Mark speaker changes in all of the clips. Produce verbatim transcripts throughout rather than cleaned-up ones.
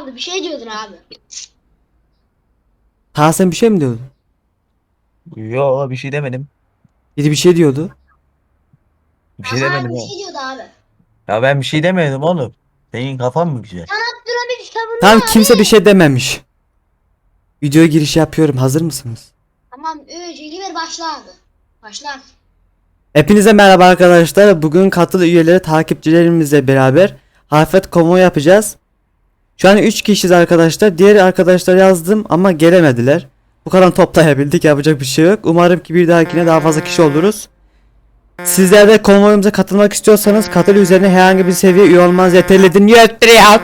Speaker 1: kaldı. Bir şey diyordun abi.
Speaker 2: Ta sen bir şey mi diyordun?
Speaker 3: Yo, bir şey demedim.
Speaker 2: Biri bir şey diyordu.
Speaker 3: Bir şey
Speaker 1: Aha
Speaker 3: demedim
Speaker 1: bir
Speaker 3: oğlum.
Speaker 1: şey diyordu abi.
Speaker 3: Ya ben bir şey demedim oğlum. Senin kafan mı güzel?
Speaker 1: Abdülhamit
Speaker 2: Tamam,
Speaker 1: savunma
Speaker 2: kimse bir
Speaker 1: abi.
Speaker 2: şey dememiş. Videoya giriş yapıyorum. Hazır mısınız?
Speaker 1: Tamam üç iki bir başla abi. Başla.
Speaker 2: Hepinize merhaba arkadaşlar. Bugün katıl üyeleri takipçilerimizle beraber Hafet Konvoy yapacağız. Şu an üç kişiyiz arkadaşlar. Diğer arkadaşlar yazdım ama gelemediler. Bu kadar toplayabildik. Yapacak bir şey yok. Umarım ki bir dahakine daha fazla kişi oluruz. Sizler de konvoyumuza katılmak istiyorsanız katıl üzerine herhangi bir seviye üye olmanız yeterli. Dinliyordur ya.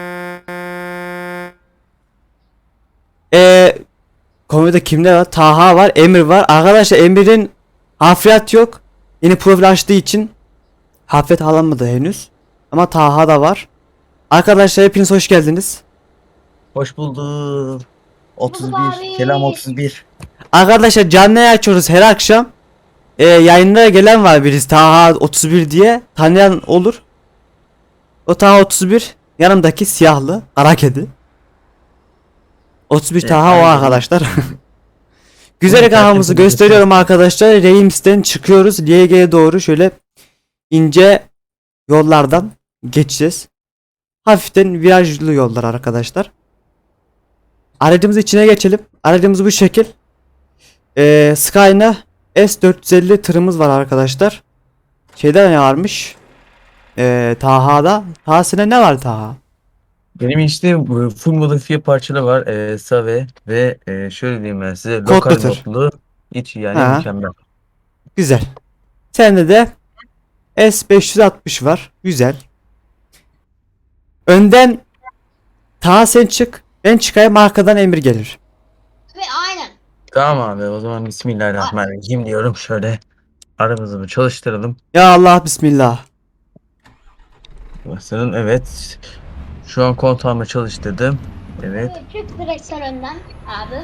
Speaker 2: Eee Konvoyda kimler var? Taha var, Emir var. Arkadaşlar Emir'in hafriyat yok. Yeni profil açtığı için hafriyat alınmadı henüz. Ama Taha da var. Arkadaşlar hepiniz hoş geldiniz.
Speaker 3: Hoş bulduk.
Speaker 1: Bulduk
Speaker 3: otuz bir.
Speaker 1: abi.
Speaker 3: Selam otuz bir.
Speaker 2: Arkadaşlar canlı yayın açıyoruz her akşam. Ee, yayınlara gelen var birisi Taha otuz bir diye. Tanıyan olur. O Taha otuz bir. Yanımdaki siyahlı kara kedi. otuz bir
Speaker 3: Evet,
Speaker 2: Taha o
Speaker 3: aynen.
Speaker 2: arkadaşlar. Güzel
Speaker 3: Evet,
Speaker 2: kahamızı
Speaker 3: herkese
Speaker 2: gösteriyorum
Speaker 3: göster.
Speaker 2: arkadaşlar. Reims'ten çıkıyoruz. L G'ye doğru şöyle ince yollardan geçeceğiz. Hafiften virajlı yollar arkadaşlar. Aracımızın içine geçelim. Aracımız bu şekil. Ee, Skyna S dört yüz elli tırımız var arkadaşlar. Şeyde ne varmış? Ee, Taha'da. Taha'sına ne var Taha?
Speaker 3: Benim işte bu full modifiye parçalı var. E, Save ve e, şöyle diyeyim ben size.
Speaker 2: Kodlu
Speaker 3: Lokal
Speaker 2: tır.
Speaker 3: modlu. İç yani
Speaker 2: Ha,
Speaker 3: mükemmel.
Speaker 2: güzel. Sende de S beş yüz altmış var. Güzel. Önden Taha sen çık. Ben çıkayım, arkadan Emir gelir.
Speaker 1: Ve aynen.
Speaker 3: Tamam abi, o zaman Bismillahirrahmanirrahim diyorum. Şöyle arabamızı bir çalıştıralım.
Speaker 2: Ya Allah bismillah.
Speaker 3: Basın, evet. Şu an kontağımı çalıştırdım. Evet.
Speaker 1: Evet, çık direkt sen önden abi.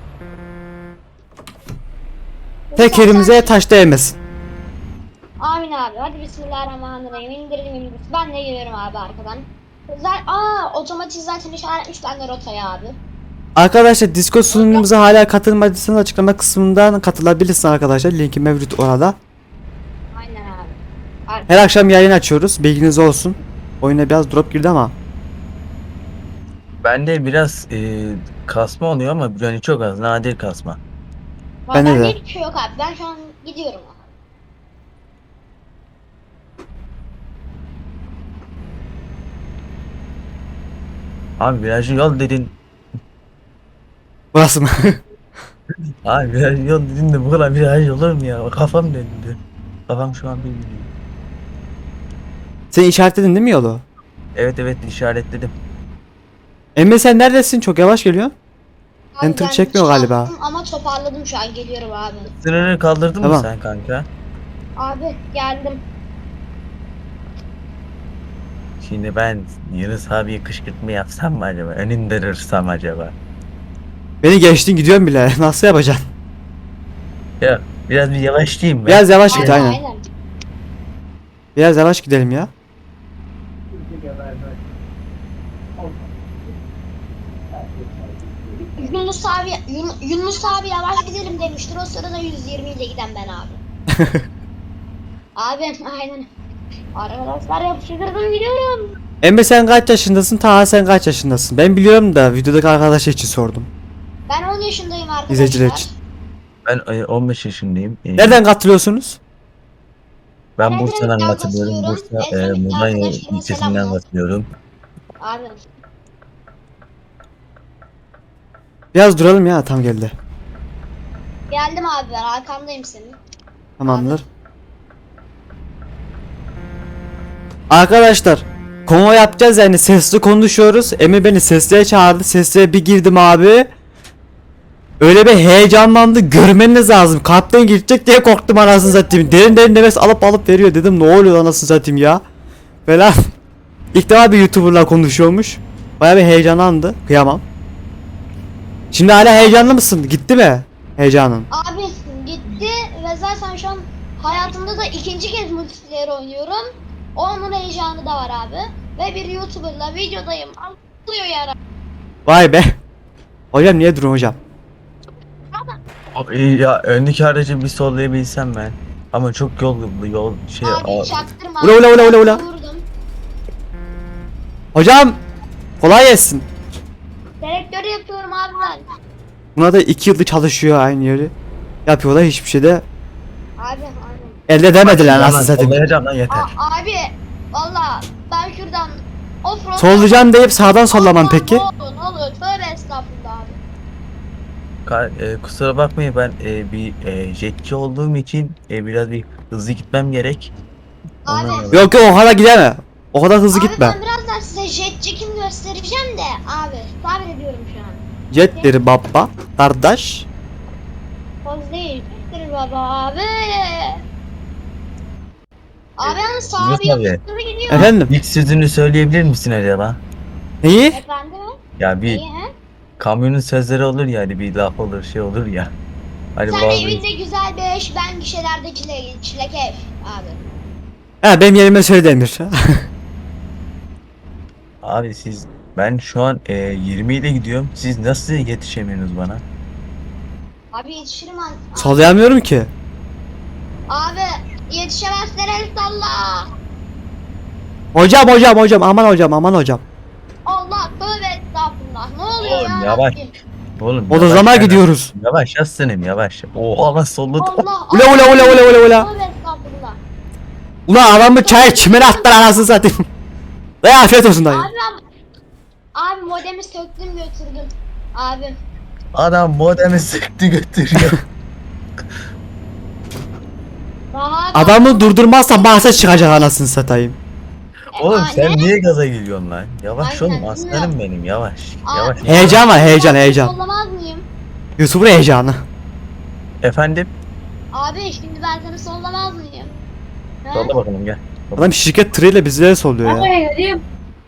Speaker 2: Tekerimize taş değmesin.
Speaker 1: Amin abi. Hadi bismillahirrahmanirrahim. İndirdim indirdim. Ben de geliyorum abi arkadan. Zaten, aa otomatik zaten işaretmiş bende rotaya abi.
Speaker 2: Arkadaşlar Discord sunucumuza hala katılmadıysanız açıklama kısmından katılabilirsiniz arkadaşlar. Linki mevcut orada.
Speaker 1: Aynen abi. Ar-
Speaker 2: Her akşam yayın açıyoruz. Bilginiz olsun. Oyuna biraz drop girdi ama.
Speaker 3: Bende biraz e, kasma oluyor ama yani çok az, nadir kasma.
Speaker 2: Bende
Speaker 1: Bende
Speaker 2: de.
Speaker 1: hiçbir şey yok abi. Ben şu an gidiyorum.
Speaker 3: Abi virajlı yol dedin.
Speaker 2: Burası mı?
Speaker 3: Abi virajlı yol dedin de bu kadar viraj olur mu ya? Kafam döndü. Kafam şu an bilmiyor.
Speaker 2: Sen işaretledin değil mi yolu?
Speaker 3: Evet evet, işaretledim.
Speaker 2: Emre sen neredesin? Çok yavaş geliyor.
Speaker 1: Abi
Speaker 2: Enter
Speaker 1: ben
Speaker 2: çekmiyor galiba.
Speaker 1: çarptım ama toparladım şu an geliyorum abi.
Speaker 3: Sınırı kaldırdın mı
Speaker 2: Tamam.
Speaker 3: sen kanka?
Speaker 1: Abi geldim.
Speaker 3: Şimdi ben Yunus abiye kışkırtma yapsam mı acaba? Önünde dursam acaba?
Speaker 2: Beni geçtin, gidiyorum bile. Nasıl yapacaksın?
Speaker 3: Ya biraz bir yavaşlayayım ben.
Speaker 2: Biraz yavaş git
Speaker 1: Aynen
Speaker 2: aynen.
Speaker 1: aynen.
Speaker 2: Biraz yavaş gidelim ya.
Speaker 1: Yunus abi Yun- Yunus abi yavaş gidelim demiştir. O sırada yüz yirmi ile giden ben abi. Abi aynen. Arkadaşlar yapıştırdım gidiyorum.
Speaker 2: Emre sen kaç yaşındasın? Taha sen kaç yaşındasın? Ben biliyorum da videodaki arkadaş için sordum.
Speaker 1: Ben on yaşındayım arkadaşlar.
Speaker 2: İzleyiciler için.
Speaker 3: Ben e, on beş yaşındayım. E,
Speaker 2: Nereden katılıyorsunuz?
Speaker 3: Ben
Speaker 1: Ben
Speaker 3: Bursa'dan
Speaker 1: Edremit'ten
Speaker 3: katılıyorum.
Speaker 1: katılıyorum.
Speaker 3: Bursa e,
Speaker 1: Edremit'te
Speaker 3: Mudanya
Speaker 1: arkadaşlarıma
Speaker 3: ilçesinden
Speaker 1: selamlar.
Speaker 3: katılıyorum.
Speaker 1: Abi
Speaker 2: Biraz duralım ya, tam geldi.
Speaker 1: geldim abi ben arkandayım senin.
Speaker 2: Tamamdır. Arkadaşlar konvoy yapacağız yani, sesli konuşuyoruz. Emir beni sesliye çağırdı. Sesliye bir girdim abi. Öyle bir heyecanlandı, görmeniz lazım. Kalpten girecek diye korktum anasını satayım. Derin derin nefes alıp alıp veriyor, dedim ne oluyor anasını satayım ya. Falan. İlk defa bir YouTuber'la konuşuyormuş. Baya bir heyecanlandı. Kıyamam. Şimdi hala heyecanlı mısın? Gitti mi heyecanın?
Speaker 1: Abi gitti ve zaten şu an hayatımda da ikinci kez multiplayer oynuyorum. Onun heyecanı da var abi. Ve bir YouTuber'la videodayım. oluyor ya?
Speaker 2: Vay be. Hocam niye durun hocam?
Speaker 3: Abi, ya öndeki aracı bir sollayabilsem ben. Ama çok yol yol şey
Speaker 1: Abi
Speaker 3: a-
Speaker 1: çaktırma.
Speaker 2: Ula, ula, ula, ula, ula.
Speaker 1: Vurdum.
Speaker 2: Hocam kolay gelsin.
Speaker 1: Selektörü yapıyorum abi ben.
Speaker 2: Buna da iki yıldır çalışıyor aynı yeri. Yapıyorlar hiçbir şey de
Speaker 1: Abi abi.
Speaker 2: elde edemediler
Speaker 3: Yalan,
Speaker 2: nasıl satayım.
Speaker 3: sollayacağım lan yeter.
Speaker 1: A- abi valla ben şuradan offroad
Speaker 2: Sollayacağım deyip sağdan sollaman peki.
Speaker 1: Ne olur ne olur tövbe estağfurullah abi.
Speaker 3: Ka- e, kusura bakmayın ben e, bir e, jetçi olduğum için e, biraz bir hızlı gitmem gerek.
Speaker 1: Abi.
Speaker 3: Ondan dolayı.
Speaker 2: Yok yok o kadar gideme. O kadar hızlı
Speaker 1: Abi
Speaker 2: gitme.
Speaker 1: ben birazdan size jet çekim göstereceğim de abi sabır ediyorum şu an.
Speaker 2: Jetleri baba kardeş.
Speaker 1: Poz değil. Jettir baba abi. Abi yani sağa
Speaker 3: Yunus
Speaker 1: bir
Speaker 3: abi.
Speaker 1: yapıştırı gidiyor.
Speaker 2: Efendim
Speaker 3: İlk sözünü söyleyebilir misin acaba?
Speaker 2: neyi?
Speaker 1: Efendim?
Speaker 3: Ya bir
Speaker 1: İyi he?
Speaker 3: kamyonun sözleri olur ya hani bir laf olur şey olur ya. Hani
Speaker 1: Sen
Speaker 3: bazı
Speaker 1: evinde güzel bir eş, ben gişelerde çile, çilek ev abi.
Speaker 2: Ha benim yerime söyle Demir.
Speaker 3: abi siz ben şu an e, yirmi ile gidiyorum. Siz nasıl yetişemiyorsunuz bana?
Speaker 1: Abi yetişirim abi.
Speaker 2: Sollayamıyorum ki.
Speaker 1: Abi yetişemezsen el salla.
Speaker 2: Hocam hocam hocam aman hocam aman hocam.
Speaker 1: Allah tövbe estağfurullah. Ne oluyor
Speaker 3: Oğlum,
Speaker 1: ya?
Speaker 3: yavaş.
Speaker 1: Rabbim?
Speaker 3: Oğlum
Speaker 2: O da
Speaker 3: yavaş
Speaker 2: zaman
Speaker 3: gel lan.
Speaker 2: gidiyoruz.
Speaker 3: Yavaş aslanım yavaş. Oha lan solladı.
Speaker 1: Allah
Speaker 2: Ula ula ula ula ula ula.
Speaker 1: Tövbe estağfurullah.
Speaker 2: Ulan adamı çay çimene attılar anasını satayım. Dayı afiyet olsun dayı.
Speaker 1: Abi ben... Abi modemi söktüm götürdüm. Abi.
Speaker 3: Adam modemi sıktı götürüyor.
Speaker 1: Daha
Speaker 2: Adamı durdurmazsan bahse çıkacak anasını satayım.
Speaker 3: Oğlum sen
Speaker 1: Anne.
Speaker 3: niye gaza geliyorsun lan? Yavaş
Speaker 1: Aynen,
Speaker 3: oğlum aslanım benim yavaş.
Speaker 1: Abi.
Speaker 3: Yavaş.
Speaker 2: Heyecan var heyecan
Speaker 1: Ben
Speaker 2: heyecan.
Speaker 1: Sollamaz mıyım?
Speaker 2: Yusuf'un heyecanı.
Speaker 3: Efendim?
Speaker 1: Abi şimdi ben seni sollamaz mıyım? He?
Speaker 3: Solla bakalım gel.
Speaker 2: Adam şirket tırıyla bizlere solluyor ya.
Speaker 1: Hayır.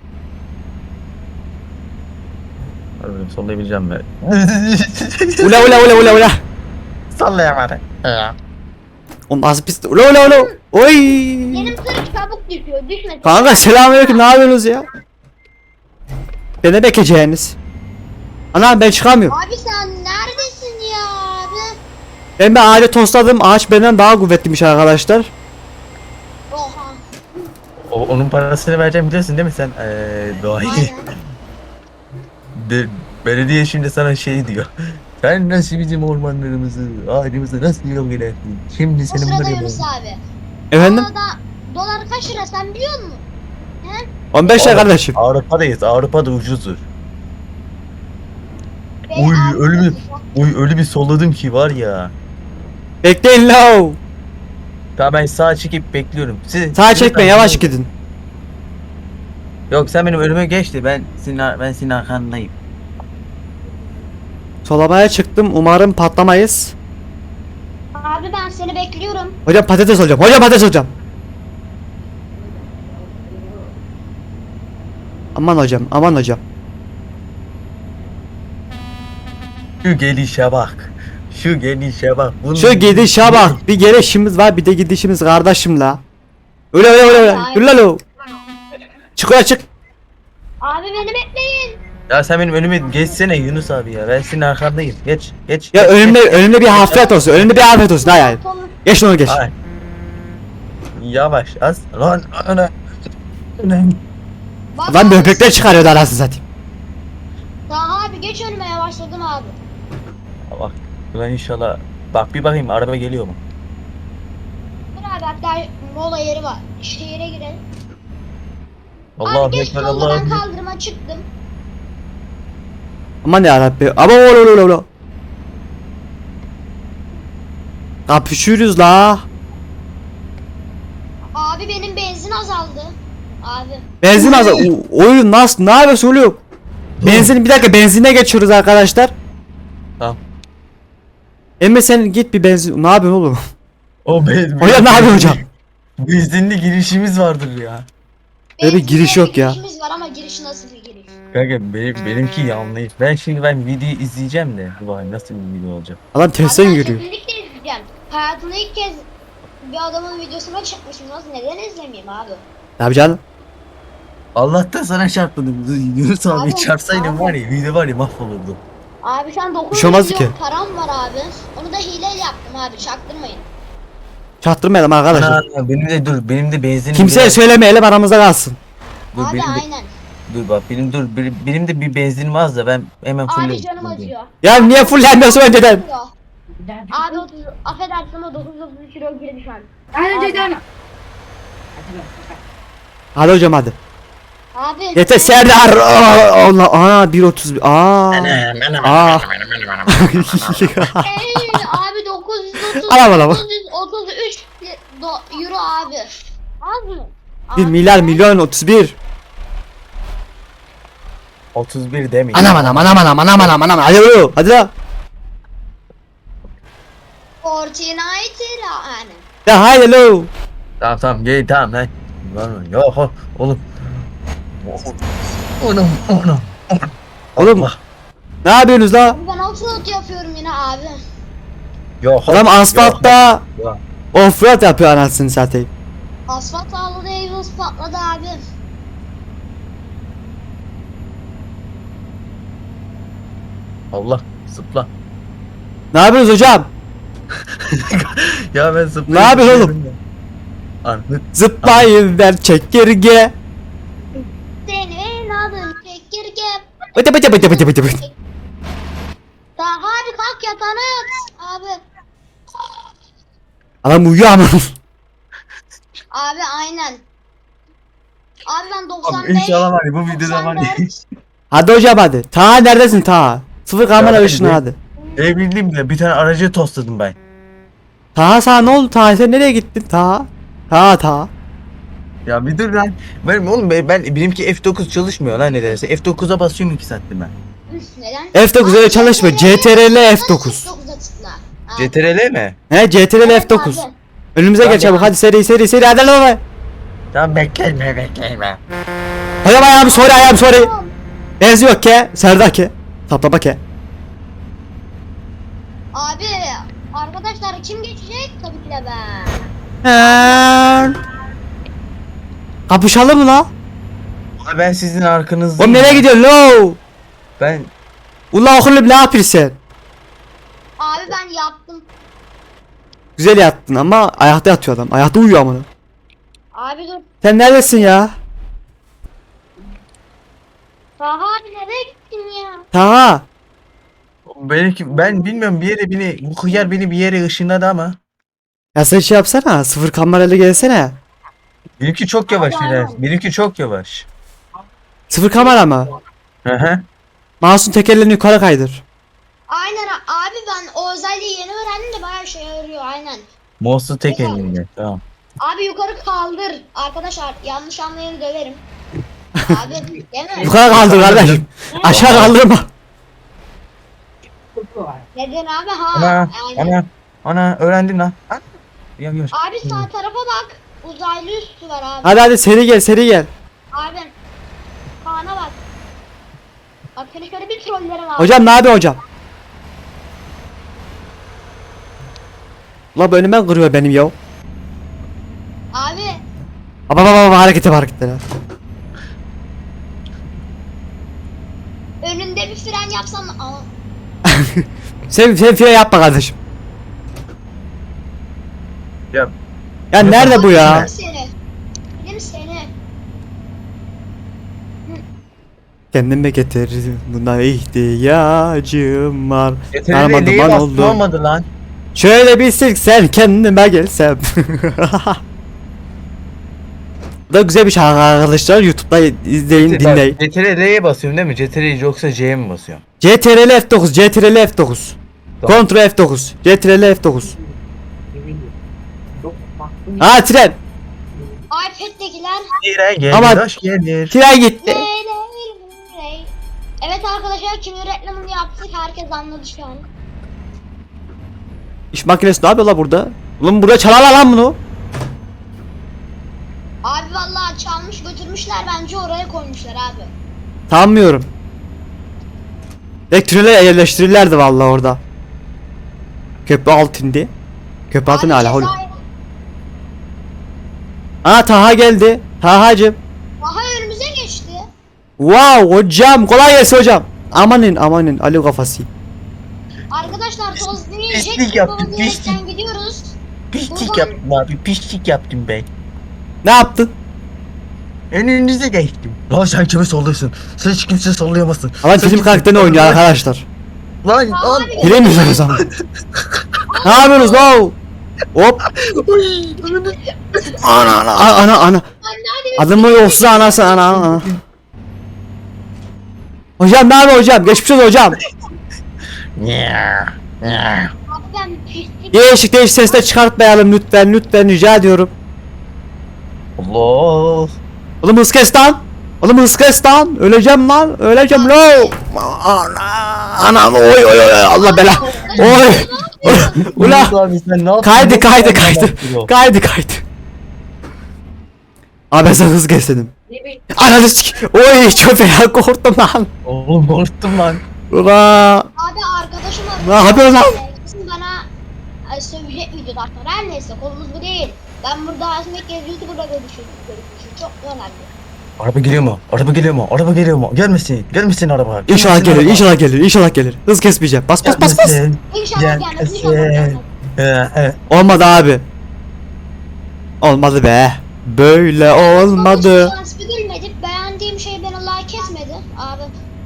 Speaker 3: Harbiden sollayabileceğim ben.
Speaker 2: Ula ula ula ula ula.
Speaker 3: Sallayamadım.
Speaker 2: Oğlum az pis. Ula ula ula. Oy.
Speaker 1: Benim tır çabuk düşüyor. Düşmesin.
Speaker 2: Kanka selamünaleyküm ne yapıyorsunuz ya? Beni bekleyeceğiniz. Ana ben çıkamıyorum.
Speaker 1: Abi sen neredesin ya abi?
Speaker 2: Ben bir ağaca tosladım. Ağaç benden daha kuvvetliymiş arkadaşlar.
Speaker 1: Oha.
Speaker 3: O, onun parasını vereceğim biliyorsun değil mi sen? Eee doğayı.
Speaker 1: Aynen.
Speaker 3: De, belediye şimdi sana şey diyor. Sen nasıl bizim ormanlarımızı, ağacımızı nasıl yok edersin? Şimdi
Speaker 1: O
Speaker 3: senin
Speaker 1: sırada
Speaker 3: buraya
Speaker 1: Yunus abi.
Speaker 2: Efendim?
Speaker 1: Avrupa'da dolar kaç lira sen biliyor musun? He?
Speaker 2: on beş lira kardeşim.
Speaker 3: Avrupa'dayız. Avrupa'da ucuzdur.
Speaker 1: Ve
Speaker 3: Uy,
Speaker 1: Avrupa'da
Speaker 3: öyle bir-
Speaker 1: sıcak.
Speaker 3: Uy öyle bir solladım ki var ya.
Speaker 2: Bekleyin la.
Speaker 3: Tamam ben sağa çekip bekliyorum. Siz,
Speaker 2: Sağa
Speaker 3: siz-
Speaker 2: çekme yavaş gidin.
Speaker 3: Yok sen benim önüme geçti. Ben senin ben senin arkandayım.
Speaker 2: Solamaya çıktım. Umarım patlamayız.
Speaker 1: Abi ben seni bekliyorum.
Speaker 2: Hocam patates olacağım. Hocam patates olacağım. Aman hocam, aman hocam.
Speaker 3: Şu gelişe bak. Şu gelişe bak. Bunun-
Speaker 2: Şu gidişe bak. Bir gelişimiz var, bir de gidişimiz kardeşim la. Öyle öyle öyle öyle.
Speaker 1: Aynen.
Speaker 2: Yürü lan o. Çık öyle çık.
Speaker 1: Abi beni bekleyin.
Speaker 3: Ya sen benim önüme geçsene Yunus abi ya. Ben senin arkandayım. Geç geç.
Speaker 2: Ya
Speaker 3: geç,
Speaker 2: önümde
Speaker 3: geç.
Speaker 2: önümde bir hafriyat olsun. Önümde bir hafriyat olsun. Hayır hayır.
Speaker 1: Konuş.
Speaker 2: Geç onu geç.
Speaker 3: Ay. Yavaş az. Lan ana. Ana.
Speaker 1: Bak
Speaker 2: Lan
Speaker 1: abi,
Speaker 2: böbrekler çıkarıyordu anasını satayım.
Speaker 1: Daha abi geç önüme yavaşladım abi.
Speaker 3: Bak. Ulan inşallah. Bak bir bakayım araba geliyor mu?
Speaker 1: Dur abi hatta mola yeri var. İşte yere girelim.
Speaker 3: Allahu
Speaker 1: abi geç
Speaker 3: ekber
Speaker 1: solda
Speaker 3: Allahu
Speaker 1: ben
Speaker 3: ekber.
Speaker 1: kaldırıma çıktım.
Speaker 2: Aman ya Rabbi. Aman ola ola ola. Kapışıyoruz la.
Speaker 1: Abi benim benzin azaldı. Abi.
Speaker 2: Benzin az. O- Oyun nasıl? Ne yapıyorsun oğlum? Benzin bir dakika benzine geçiyoruz arkadaşlar.
Speaker 3: Tamam.
Speaker 2: Emre sen git bir benzin. Ne yapıyorsun oğlum?
Speaker 3: O be.
Speaker 2: Hocam ne yapıyorsun hocam?
Speaker 3: Benzinli girişimiz vardır ya.
Speaker 2: Öyle bir
Speaker 1: Benzinliğe
Speaker 2: giriş yok ya.
Speaker 1: girişimiz var ama giriş nasıl bir giriş?
Speaker 3: Kanka benim, benimki yanlış. Ben şimdi ben videoyu izleyeceğim de. Vay nasıl bir video olacak.
Speaker 2: Adam tersten
Speaker 1: Abi ben
Speaker 2: yürüyor.
Speaker 1: kesinlikle izleyeceğim. Hayatımda ilk kez bir adamın videosuna çıkmışım. Nasıl neden izlemeyeyim abi?
Speaker 2: Ne yapacaksın?
Speaker 3: Allah'tan sana çarpmadım. Yunus abi
Speaker 1: Abi,
Speaker 3: çarpsaydım
Speaker 1: abi.
Speaker 3: var ya video var ya mahvolurdu.
Speaker 1: Abi şu an dokuz
Speaker 2: şey olmaz
Speaker 1: milyon
Speaker 2: ki.
Speaker 1: param var abi. Onu da hileyle yaptım abi, çaktırmayın.
Speaker 2: Çaktırmayalım arkadaşlar.
Speaker 3: Ana, ana, benim de dur benim de benzinim
Speaker 2: Kimseye
Speaker 3: biraz-
Speaker 2: söylemeyelim, aramızda kalsın.
Speaker 3: Dur,
Speaker 1: Abi
Speaker 3: benim de,
Speaker 1: aynen.
Speaker 3: dur bak benim dur benim, benim de bir benzinim az da ben hemen
Speaker 1: Abi
Speaker 3: fullerim.
Speaker 1: canım acıyor.
Speaker 2: Ya niye fullenmiyorsun önceden?
Speaker 1: Abi otuz, affedersin ama dokuz yüz otuz kilo girdi şu an.
Speaker 4: Hadi
Speaker 1: Abi.
Speaker 4: dedim.
Speaker 2: Hadi hocam hadi.
Speaker 1: Abi.
Speaker 2: Yeter Serdar. Aa, Allah. Aa bir otuz. Aa. Aa.
Speaker 1: Ey, abi dokuz yüz otuz,
Speaker 2: Alam, alam.
Speaker 1: dokuz yüz otuz üç do- euro abi. Az mı?
Speaker 2: bir
Speaker 1: Abi,
Speaker 2: milyar milyon otuz bir.
Speaker 3: otuz bir demeyin.
Speaker 2: Anam anam anam anam anam anam anam. Hadi oğlum. Hadi lan.
Speaker 1: Fortnite yani.
Speaker 2: Ya haydi lo.
Speaker 3: Tamam tamam gel tamam lan. Lan yok o- oğlum. Oğlum oğlum.
Speaker 2: Oğlum. Ne yapıyorsunuz la?
Speaker 1: Ben offroad yapıyorum yine abi.
Speaker 3: Yok.
Speaker 2: Adam asfaltta
Speaker 3: Yok.
Speaker 2: offroad yapıyor anasını satayım.
Speaker 1: Asfalt ağladı, Evos patladı abi.
Speaker 3: Allah zıpla.
Speaker 2: Ne yapıyorsunuz hocam?
Speaker 3: Ya ben zıplayayım.
Speaker 2: Ne yapıyorsun oğlum?
Speaker 3: Anlık.
Speaker 2: Zıplayın ver çekirge.
Speaker 1: Senin adın çekirge.
Speaker 2: Bıtı bıtı bıtı bıtı bıtı bıtı.
Speaker 1: Daha hadi kalk yatağına yat abi.
Speaker 2: Adam uyuyor ama.
Speaker 1: Abi aynen. Abi ben
Speaker 3: Abi
Speaker 1: doksan beş.
Speaker 3: inşallah var ya bu videoda var ya.
Speaker 1: doksan dört.
Speaker 2: Hadi hocam hadi. Ta neredesin ta? Sıfır kamera
Speaker 3: Ya,
Speaker 2: ışını
Speaker 3: hadi.
Speaker 2: hadi.
Speaker 3: E bildiğim de bir tane aracı tosladım ben.
Speaker 2: Ta sana ne oldu ta? Sen nereye gittin ta? Ta ta.
Speaker 3: Ya bir dur lan. Benim oğlum ben, ben benimki F dokuz çalışmıyor lan nedense. F dokuza basıyorum iki saattir ben.
Speaker 1: Üf, neden?
Speaker 2: F dokuz öyle
Speaker 1: Abi,
Speaker 2: çalışmıyor. C T R L F dokuz.
Speaker 1: F dokuza tıkla. Abi.
Speaker 3: C T R L mi?
Speaker 2: He C T R L
Speaker 1: Evet
Speaker 2: F dokuz.
Speaker 1: abi.
Speaker 2: Önümüze
Speaker 3: Tamam,
Speaker 2: geç çabuk
Speaker 3: tamam.
Speaker 2: hadi seri seri seri hadi lan be.
Speaker 3: Tamam bekleme bekleme.
Speaker 2: Hocam ayağım sorry ayağım sorry. Benziyor ke. Serdar ke. Taplama ke.
Speaker 1: Abi arkadaşlar kim geçecek? Tabii ki de ben.
Speaker 2: He. Kapışalım mı la?
Speaker 3: Abi ben sizin arkanızdayım.
Speaker 2: Oğlum nereye gidiyorsun lo?
Speaker 3: Ben
Speaker 2: Ula oğlum ne yapıyorsun?
Speaker 1: Abi ben yaptım.
Speaker 2: Güzel yattın ama ayakta yatıyor adam. Ayakta uyuyor amına.
Speaker 1: Abi dur.
Speaker 2: Sen neredesin ya?
Speaker 1: Taha abi nereye gittin ya?
Speaker 2: Taha.
Speaker 3: benimki ben bilmiyorum bir yere beni bu hıyar beni bir yere ışınladı ama.
Speaker 2: Ya sen şey yapsana. Sıfır kamerayla gelsene.
Speaker 3: Benimki çok yavaş
Speaker 1: Abi,
Speaker 3: Hilal.
Speaker 1: aynen.
Speaker 3: Benimki çok yavaş.
Speaker 2: Sıfır kamera mı?
Speaker 3: Hı hı.
Speaker 2: Mouse'un tekerlerini yukarı kaydır.
Speaker 1: Aynen a- abi ben o özelliği yeni öğrendim de bayağı şey yarıyor aynen.
Speaker 3: Mouse'u tek elimle. Tamam.
Speaker 1: Abi yukarı kaldır. Arkadaşlar yanlış anlayanı döverim. Abi değil mi?
Speaker 2: Yukarı kaldır kardeşim. Aşağı kaldırma.
Speaker 1: Neden abi ha?
Speaker 3: Ana
Speaker 1: Aynen.
Speaker 3: ana ana öğrendim lan. Ha? Ya gör.
Speaker 1: Abi sağ tarafa bak. Uzaylı üstü var abi.
Speaker 2: Hadi hadi seri gel seri gel.
Speaker 1: Abi. Kaan'a bak. Bak seni şöyle bir trollerim abi.
Speaker 2: Hocam ne yapıyor hocam? Ula bu önüme kırıyor benim ya.
Speaker 1: Abi
Speaker 2: Baba baba baba harekete bak harekete.
Speaker 1: önünde bir fren yapsan. Aa,
Speaker 2: Sen sen fire yapma kardeşim.
Speaker 3: Ya
Speaker 2: Ya nerede bu ya?
Speaker 1: Yerim seni. Yerim seni.
Speaker 2: Kendime getir buna ihtiyacım var.
Speaker 3: C T R
Speaker 2: Arama
Speaker 3: L'ye
Speaker 2: duman
Speaker 3: bastım
Speaker 2: oldu.
Speaker 3: olmadı lan.
Speaker 2: Şöyle bir silksen kendime gelsem. Bu da güzel bir şarkı arkadaşlar. YouTube'da izleyin dinleyin.
Speaker 3: C T R L'ye basıyorum değil mi? C T R L yoksa C'ye mi basıyorum?
Speaker 2: C T R L F dokuz, C T R L F dokuz.
Speaker 3: Tamam.
Speaker 2: Ctrl F dokuz, C T R L F dokuz. Aa tren.
Speaker 1: iPad'dekiler.
Speaker 3: Tire gelir,
Speaker 2: Ama-
Speaker 3: hoş gelir.
Speaker 2: Tren gitti.
Speaker 1: Ley, ley, ley. Evet arkadaşlar kimin reklamını yaptık herkes anladı şu an.
Speaker 2: İş makinesi ne yapıyor la burada? Ulan burada çalarlar lan bunu.
Speaker 1: Abi vallahi çalmış götürmüşler bence oraya koymuşlar abi.
Speaker 2: Sanmıyorum. Elektriğe yerleştirirlerdi vallahi orada. Köprü altında. Köprü altı ne
Speaker 1: Abi
Speaker 2: hala oğlum?
Speaker 1: Cezayir-
Speaker 2: Aa Taha geldi. Taha'cım.
Speaker 1: Aha önümüze geçti
Speaker 2: Wow hocam kolay gelsin hocam. Amanin amanin Ali kafası.
Speaker 1: Arkadaşlar toz
Speaker 3: Pislik
Speaker 1: demeyecek.
Speaker 3: yaptın,
Speaker 1: Bu
Speaker 3: pislik.
Speaker 1: diyerekten gidiyoruz.
Speaker 3: Pislik
Speaker 1: Buradan-
Speaker 3: yaptım abi. Pislik yaptım ben.
Speaker 2: Ne yaptın?
Speaker 3: Önünüze geçtim. Lan sen kimi sallıyorsun? Sen hiç kimse sallayamazsın.
Speaker 2: Ama
Speaker 3: Sen
Speaker 2: film
Speaker 3: kimse-
Speaker 2: karakterini oynuyor arkadaşlar.
Speaker 3: Lan lan.
Speaker 1: Abi,
Speaker 2: Bilemiyoruz o zaman. Ne yapıyorsunuz lan? Hop.
Speaker 3: Oy, önünü-
Speaker 2: Ana ana ana ana.
Speaker 1: anne hadi.
Speaker 2: Adımı yoksa anası ana ana. Hocam ne yapıyor hocam? Geçmiş olsun hocam.
Speaker 3: Nya, nya.
Speaker 1: Abi ben pislik.
Speaker 2: Değişik değişik sesler çıkartmayalım lütfen lütfen rica ediyorum.
Speaker 3: Allah.
Speaker 2: Oğlum hız kes lan. Oğlum hız kes lan. Öleceğim lan. Öleceğim lo. Ana. Ana oy oy oy Allah bela. Oy. Ula.
Speaker 3: Yunus abi sen ne yaptın?
Speaker 2: Kaydı
Speaker 3: Nasıl
Speaker 2: kaydı
Speaker 3: yaptın
Speaker 2: kaydı.
Speaker 3: lan?
Speaker 2: Kaydı kaydı. Abi ben sana hız kes dedim.
Speaker 1: Ne bileyim.
Speaker 2: Ananı sik. Oy çok fena korktum lan.
Speaker 3: Oğlum korktum lan.
Speaker 2: Ula.
Speaker 1: Abi arkadaşım
Speaker 2: Ne yapıyorsun lan?
Speaker 1: Kesin bana e, sövecek videoda arkadaşlar. Her neyse konumuz bu değil. Ben burada aslında kez YouTuber'la görüşüyorum. Görüşüyorum. Çok önemli.
Speaker 3: Araba geliyor mu? Araba geliyor mu? Araba geliyor mu? Gelmesin. Gelmesin araba.
Speaker 2: İnşallah
Speaker 3: Gelmesin
Speaker 2: gelir
Speaker 3: araba.
Speaker 2: inşallah gelir inşallah gelir. Hız kesmeyeceğim. Bas bas bas bas.
Speaker 3: Gelmesin.
Speaker 1: İnşallah gelmez. İnşallah
Speaker 3: Gelmesin.
Speaker 1: gelmez.
Speaker 3: Ee, e.
Speaker 2: Olmadı abi. Olmadı be. Böyle olmadı.
Speaker 1: Ama şu an gülmedik. Beğendiğim şey beni like etmedi. Abi.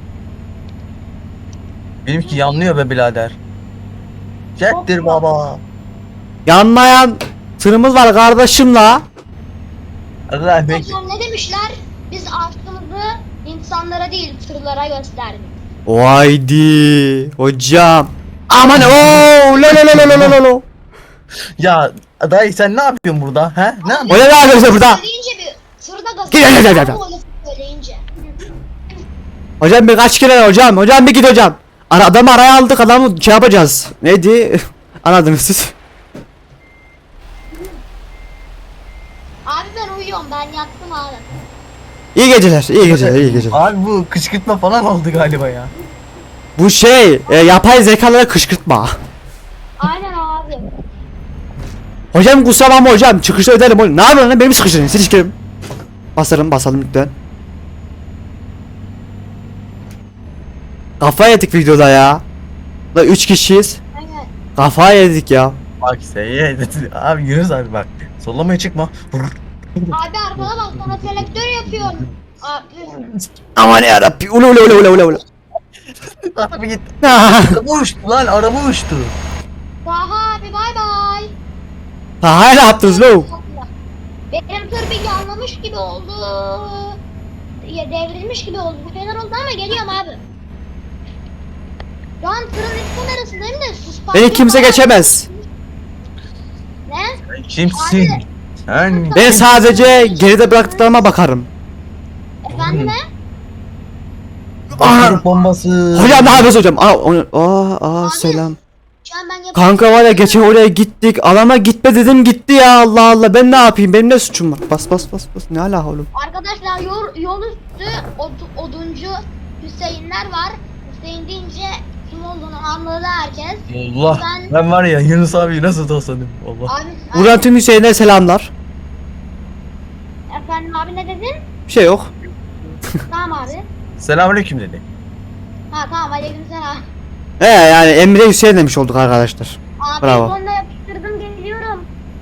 Speaker 3: Benimki yanlıyor be birader. Çektir baba.
Speaker 2: Yanmayan tırımız var kardeşim la.
Speaker 3: Allah bekle.
Speaker 1: Hocam ne demişler? Biz aşkımızı insanlara değil tırlara gösterdik.
Speaker 2: Vaydi hocam. Aman ooo lo lo lo lo lo lo lo.
Speaker 3: Ya dayı sen ne yapıyorsun burada? He? Ne yapıyorsun?
Speaker 2: O ne ne yapıyorsun burada?
Speaker 1: Söyleyince bir tırda gaz.
Speaker 2: Gel, gel, gel, gel, gel.
Speaker 1: Söyleyince.
Speaker 2: Hocam bir kaç kere hocam hocam bir git hocam. Ara, adamı araya aldık adamı şey yapacağız. Neydi? Anladınız siz.
Speaker 1: Abi ben uyuyorum. Ben yattım abi.
Speaker 2: İyi geceler iyi geceler iyi geceler.
Speaker 3: Abi bu kışkırtma falan oldu galiba ya.
Speaker 2: Bu şey e, yapay zekalara kışkırtma.
Speaker 1: Aynen abi.
Speaker 2: Hocam kusura bakma hocam çıkışta öderim oğlum. Ne yapıyorsun lan benim sıkıştırın silişkirim. Basarım basalım lütfen. Kafa yedik videoda ya. Da üç kişiyiz.
Speaker 1: Aynen.
Speaker 2: Kafa yedik ya.
Speaker 3: Bak sen ye. Abi Yunus abi bak. Sollamaya çıkma.
Speaker 1: Abi arkana bak sana selektör yapıyorum. Abi.
Speaker 2: Aman yarabbi ulu ulu ulu ulu ulu ulu.
Speaker 3: Abi git.
Speaker 2: Ha
Speaker 3: Araba uçtu lan araba uçtu.
Speaker 1: Daha abi bay bay.
Speaker 2: hala yaptınız lo.
Speaker 1: Benim tır bir yanlamış gibi oldu. Ya devrilmiş gibi oldu. Bir fener oldu ama geliyorum abi. Şu an tırın üst kamerasındayım da sus.
Speaker 2: Beni kimse geçemez.
Speaker 1: Ne?
Speaker 3: Kimsin? Sen.
Speaker 2: Ben sadece geride bıraktıklarıma bakarım.
Speaker 1: Efendim ne?
Speaker 3: Atom bombası.
Speaker 2: Hocam ne yapıyorsun hocam? Aa, onu, aa, aa selam.
Speaker 1: Şu an ben yapıyorum.
Speaker 2: Kanka var ya geçen oraya gittik. Alana gitme dedim gitti ya Allah Allah. Ben ne yapayım? Benim ne suçum var? Bas bas bas bas. Ne ala oğlum?
Speaker 1: Arkadaşlar yol, yol üstü od- oduncu Hüseyinler var. Hüseyin deyince kim olduğunu anladı herkes.
Speaker 3: Allah.
Speaker 1: Ben-
Speaker 3: Ben var ya Yunus abi nasıl tosladım. Allah.
Speaker 1: Abi,
Speaker 2: Buradan tüm Hüseyin'e selamlar.
Speaker 1: efendim abi ne dedin?
Speaker 2: Bir şey yok.
Speaker 1: Tamam abi.
Speaker 3: Selamünaleyküm dedi.
Speaker 1: Ha tamam aleykümselam.
Speaker 2: He yani Emre Hüseyin demiş olduk arkadaşlar.
Speaker 1: Abi
Speaker 2: Bravo.
Speaker 1: sonunda yapıştırdım geliyorum.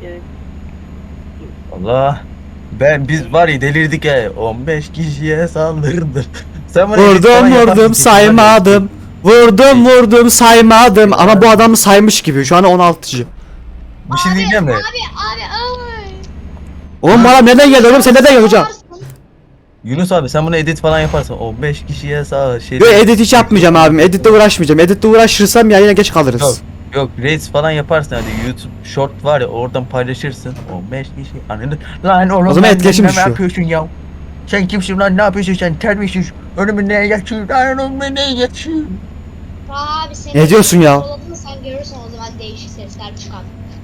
Speaker 3: Allah. Ben biz var ya delirdik he. on beş kişiye saldırdım. Sen bana edit falan
Speaker 2: Vurdum
Speaker 3: yaparsın
Speaker 2: vurdum
Speaker 3: ki,
Speaker 2: saymadım. Vurdum vurdum saymadım. Ama bu adamı saymış gibi. Şu an on altıcı.
Speaker 3: Bir şey diyeceğim de.
Speaker 1: Abi abi ay.
Speaker 2: Oğlum bana nereden geldi oğlum sen nereden geldin hocam?
Speaker 3: Yunus abi sen bunu edit falan yaparsan on beş kişiye sağ şey.
Speaker 2: Yo edit hiç yapmayacağım abim. Editle uğraşmayacağım. Editle uğraşırsam ya yine geç
Speaker 3: Yok,
Speaker 2: kalırız.
Speaker 3: yok Reels falan yaparsın hadi YouTube short var ya oradan paylaşırsın. on beş kişi anladın. Lan oğlum
Speaker 2: O zaman
Speaker 3: lan,
Speaker 2: etkileşim
Speaker 3: ne
Speaker 2: düşüyor.
Speaker 3: yapıyorsun ya? Sen kimsin lan ne yapıyorsun sen terbiyesiz. Önüme neye geçiyorsun? Lan önüme neye geçiyorsun?
Speaker 1: Abi seni
Speaker 2: Ne diyorsun ya?
Speaker 1: Doladın, sen görürsün o zaman değişik sesler çıkar.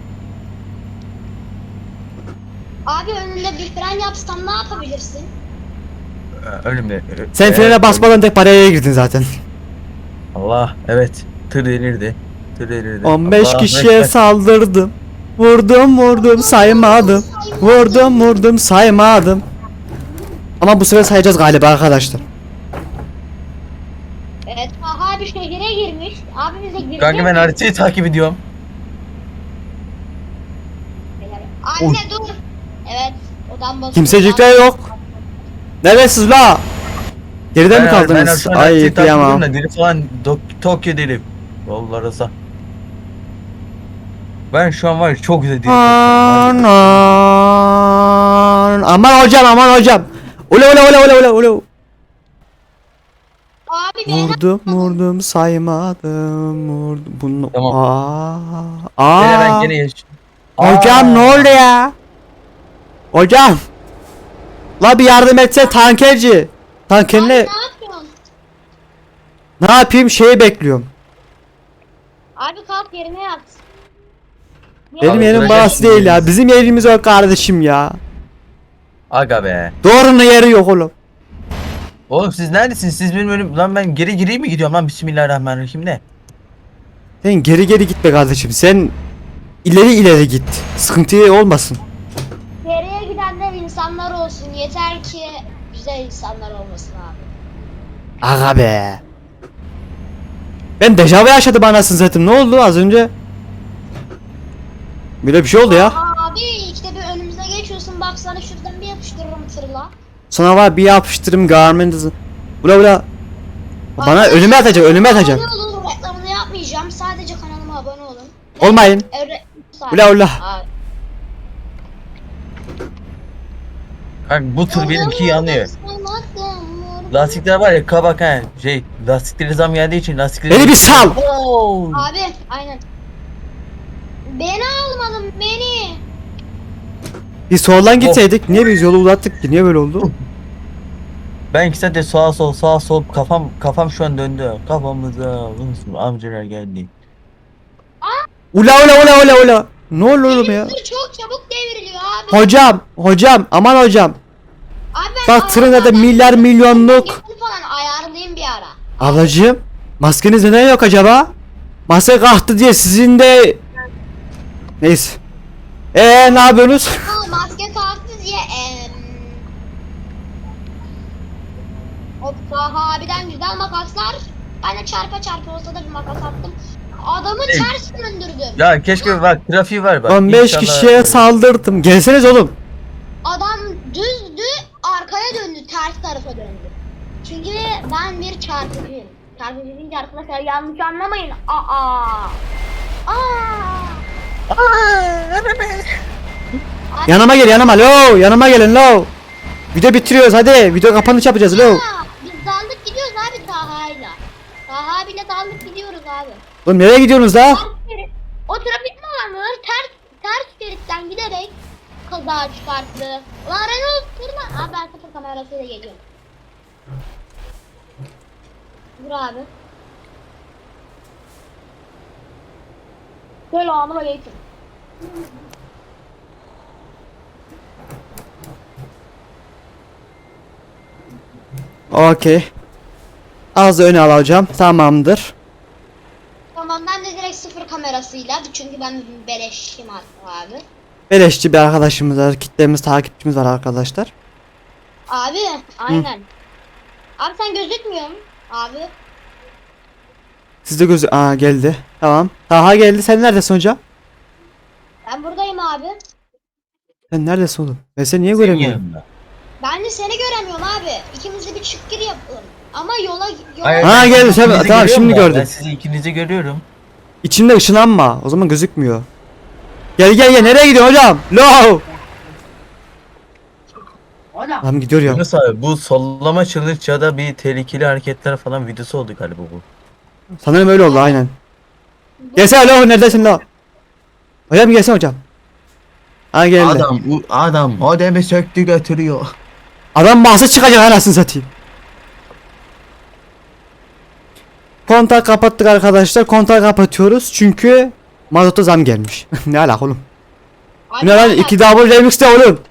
Speaker 1: Abi önünde bir fren yapsam ne yapabilirsin?
Speaker 3: Ee, Önümde.
Speaker 2: Sen
Speaker 3: Evet,
Speaker 2: frene basmadan tek paraya girdin zaten.
Speaker 3: Allah evet. Tır delirdi. Tır delirdi.
Speaker 2: on beş
Speaker 3: Allah,
Speaker 2: kişiye
Speaker 3: bekle.
Speaker 2: saldırdım. Vurdum vurdum saymadım. Vurdum vurdum saymadım. Ama bu sefer sayacağız galiba arkadaşlar.
Speaker 1: Evet, aha abi şehire girmiş. Abi bize girecek.
Speaker 3: Kanka ben haritayı takip ediyorum.
Speaker 1: Anne dur. Evet, odan basıyor.
Speaker 2: Kimsecikler yok. Neredesiniz la? Geride mi
Speaker 3: Ben-
Speaker 2: kaldınız?
Speaker 3: Ben şu an
Speaker 2: Ay
Speaker 3: haritayı takip ediyorum
Speaker 2: kıyamam.
Speaker 3: da deli falan Dok- Tokyo deli. Yollara sağ. Ben şu an var ya çok güzel deli
Speaker 2: Aman,
Speaker 3: Tokyo.
Speaker 2: aman hocam aman hocam. Ula ula ula ula ula ula.
Speaker 1: Abi beni
Speaker 2: Vurdum vurdum saymadım vurdum bunu.
Speaker 3: Tamam.
Speaker 2: Aa.
Speaker 3: Gene ben
Speaker 2: Aa.
Speaker 3: gene yaş.
Speaker 2: Hocam
Speaker 3: Aa.
Speaker 2: ne oldu ya? Hocam. La bir yardım etse tankerci. Tanker
Speaker 1: abi
Speaker 2: ne?
Speaker 1: ne yapıyorsun?
Speaker 2: Ne yapayım şeyi bekliyorum.
Speaker 1: Abi kalk yerine yat.
Speaker 2: Benim
Speaker 3: Abi,
Speaker 2: yerim
Speaker 3: duracak
Speaker 2: burası değil ya.
Speaker 3: şimdi.
Speaker 2: Bizim yerimiz o kardeşim ya.
Speaker 3: Aga be.
Speaker 2: Doğrunun yeri yok oğlum.
Speaker 3: Oğlum siz neredesiniz? Siz benim önüm... Lan ben geri gireyim mi gidiyorum lan? Bismillahirrahmanirrahim ne?
Speaker 2: Sen geri geri gitme kardeşim. Sen ileri ileri git. Sıkıntı olmasın.
Speaker 1: Geriye gidenler insanlar olsun. Yeter ki güzel insanlar olmasın abi.
Speaker 2: Aga be. Ben dejavu yaşadım anasını satayım. Ne oldu az önce? Böyle bir şey oldu ya.
Speaker 1: Abi işte bir önümüze geçiyorsun, baksana şuradan bir yapıştırırım tırla.
Speaker 2: Sonra var bir yapıştırım garment'ı. Ula ula. Bana önüme atacak, önüme atacak.
Speaker 1: Abone olun, reklamını yapmayacağım. Sadece kanalıma abone olun.
Speaker 2: Olmayın.
Speaker 1: Evet.
Speaker 2: Ula ula.
Speaker 1: Abi.
Speaker 3: Kanka bu tır benimki yanıyor. Lastikler var ya kabak ha. Şey lastikleri zam geldiği için lastikleri...
Speaker 2: Beni bir sal.
Speaker 3: Oo.
Speaker 1: Abi aynen. Beni almadın beni.
Speaker 2: Bir soldan gitseydik. Niye biz yolu uzattık ki? Niye böyle oldu?
Speaker 3: Ben iki saattir sağa sol sağa sol kafam kafam şu an döndü. Kafamıza unutun amcalar geldi.
Speaker 2: Ula ula ula ula ula. Ne oldu oğlum ya?
Speaker 1: Tır çok çabuk devriliyor abi.
Speaker 2: Hocam, hocam, aman hocam.
Speaker 1: Abi ben
Speaker 2: Bak tırın da milyar milyonluk.
Speaker 1: Maskesini falan ayarlayayım bir ara.
Speaker 2: Ablacığım, maskeniz neden yok acaba? Maske kalktı diye sizin de... Neyse. Eee ne yapıyorsunuz?
Speaker 1: Ha, maske kalktı diye em... O Taha abiden güzel makaslar. Ben de çarpa çarpa olsa da bir makas attım. Adamı
Speaker 3: Evet.
Speaker 1: ters döndürdüm.
Speaker 3: Ya keşke bak trafiği var bak.
Speaker 2: on beş
Speaker 3: İnşallah-
Speaker 2: kişiye saldırdım. Gelseniz oğlum.
Speaker 1: Adam düzdü, arkaya döndü, ters tarafa döndü. Çünkü ben bir çarpıcıyım. Çarpıcı deyince arkadaşlar yanlış anlamayın. Aa. Aa. Abi,
Speaker 2: Yanıma gel yanıma lo. Yanıma gelin lo. Video bitiriyoruz hadi. Video kapanış yapacağız lo.
Speaker 1: aa, biz daldık gidiyoruz abi Taha'yla. Taha abiyle daldık gidiyoruz abi.
Speaker 2: Oğlum nereye gidiyorsunuz da?
Speaker 1: Ters şerit- O trafik alanları ters ters şeritten giderek kaza çıkarttı. Ulan Renault durma. Abi ben sıfır kamerasıyla geliyorum. Dur abi. Selamun aleyküm.
Speaker 2: Okey. Az da öne alacağım. Tamamdır.
Speaker 1: Tamam ben de direkt sıfır kamerasıyla çünkü ben beleşim hatta abi.
Speaker 2: Beleşçi bir arkadaşımız var. Kitlemiz, takipçimiz var arkadaşlar.
Speaker 1: Abi aynen. Abi sen gözükmüyorsun abi.
Speaker 2: Sizde gözü... Aa geldi. Tamam. Taha geldi. Sen neredesin hocam?
Speaker 1: Ben buradayım abi.
Speaker 2: Sen neredesin oğlum? Ben seni niye
Speaker 3: Senin
Speaker 2: göremiyorum?
Speaker 3: yanında.
Speaker 1: Ben de seni göremiyorum abi. İkimiz de bir çık gir yapalım. Ama yola yola
Speaker 3: Hayır,
Speaker 2: Ha,
Speaker 3: ben
Speaker 2: geldi,
Speaker 3: sizi
Speaker 2: sen-
Speaker 3: ikinizi
Speaker 2: tamam,
Speaker 3: görüyorum
Speaker 2: şimdi
Speaker 3: da,
Speaker 2: gördüm.
Speaker 3: Ben sizi ikinizi görüyorum.
Speaker 2: İçinde ışınlanma. O zaman gözükmüyor. Gel gel gel. Nereye gidiyorsun hocam? Lo. Tamam gidiyor ya.
Speaker 3: Yunus abi bu sollama challenge ya da bir tehlikeli hareketler falan videosu oldu galiba bu.
Speaker 2: Sanırım öyle oldu aynen. Gelsene lo. Neredesin lo? Hocam gelsene hocam. Ha geldi. Adam,
Speaker 3: Adam bu adam modemi söktü götürüyor.
Speaker 2: Adam bahse çıkacak anasını satayım. Kontağı kapattık arkadaşlar. Kontağı kapatıyoruz çünkü mazota zam gelmiş. Ne alaka oğlum?
Speaker 1: Abi
Speaker 2: Ne lan?
Speaker 1: aynen.
Speaker 2: iki double remix'te oğlum.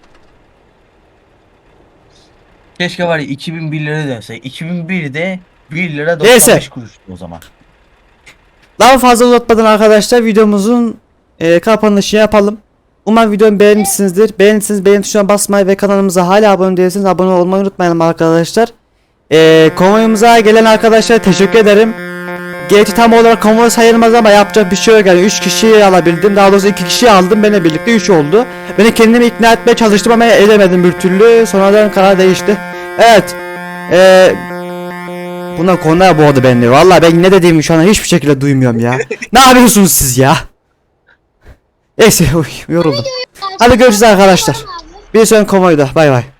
Speaker 3: Keşke var ya iki bin bir lira dönse. iki bin birde bir lira
Speaker 2: Neyse.
Speaker 3: doksan beş kuruştu o zaman.
Speaker 2: Daha fazla uzatmadan arkadaşlar videomuzun e, kapanışını yapalım. Umarım videomu beğenmişsinizdir. Beğendiyseniz beğen tuşuna basmayı ve kanalımıza hala abone değilseniz abone olmayı unutmayalım arkadaşlar. Ee, konvoyumuza gelen arkadaşlara teşekkür ederim. Gerçi tam olarak konvoy sayılmaz ama yapacak bir şey yok yani üç kişiyi alabildim, daha doğrusu iki kişiyi aldım, benimle birlikte üç oldu. Beni kendimi ikna etmeye çalıştım ama edemedim bir türlü, sonradan karar değişti. Evet ee, bunlar konular boğdu beni, vallahi ben ne dediğimi şu an hiçbir şekilde duymuyorum ya. Ne yapıyorsunuz siz ya? Neyse, uy, yoruldum. Hadi görüşürüz arkadaşlar. Bir sonraki konvoyda, bay bay.